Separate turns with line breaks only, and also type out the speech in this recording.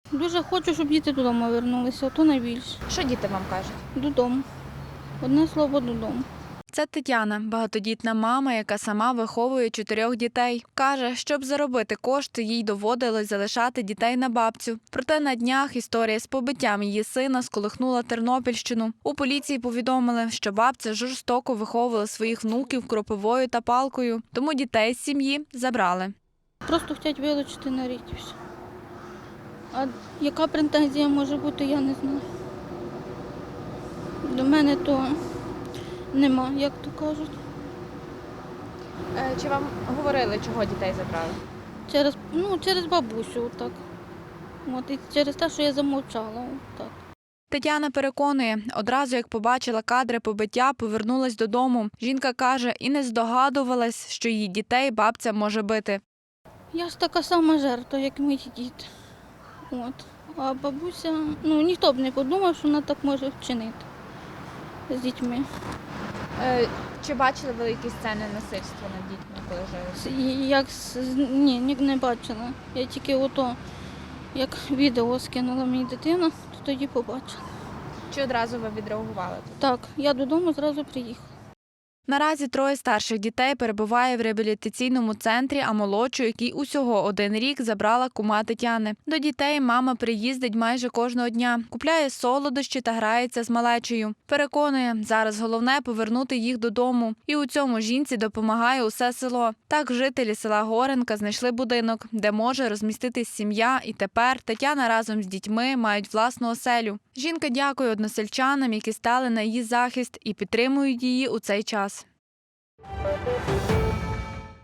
Дуже хочу, щоб діти додому повернулися, а то найбільше.
Що діти вам кажуть?
Додому. Одне слово додому.
Це Тетяна, багатодітна мама, яка сама виховує 4 дітей. Каже, щоб заробити кошти, їй доводилось залишати дітей на бабцю. Проте на днях історія з побиттям її сина сколихнула Тернопільщину. У поліції повідомили, що бабця жорстоко виховувала своїх внуків кропивою та палкою, тому дітей з сім'ї забрали.
Просто хочуть вилучити на рік і все. А яка претензія може бути, я не знаю. До мене то нема, як то кажуть.
Чи вам говорили, чого дітей забрали?
Через бабусю, так. От, і через те, що я замовчала. Так.
Тетяна переконує, одразу як побачила кадри побиття, повернулась додому. Жінка каже, і не здогадувалась, що її дітей бабця може бити.
Я ж така сама жертва, як мої діти. От. А бабуся, ніхто б не подумав, що вона так може вчинити з дітьми.
Чи бачили ви якісь сцени насильства над дітьми, коли жили?
Ні, не бачила. Я тільки як відео скинула мені дитина, то тоді побачила.
Чи одразу ви відреагували?
Так, я додому зразу приїхала.
Наразі 3 старших дітей перебуває в реабілітаційному центрі, а молодшу, який усього 1 рік, забрала кума Тетяни. До дітей мама приїздить майже кожного дня, купляє солодощі та грається з малечею. Переконує, зараз головне – повернути їх додому. І у цьому жінці допомагає усе село. Так жителі села Горенка знайшли будинок, де може розміститись сім'я, і тепер Тетяна разом з дітьми мають власну оселю. Жінка дякує односельчанам, які стали на її захист і підтримують її у цей час.
Thank you.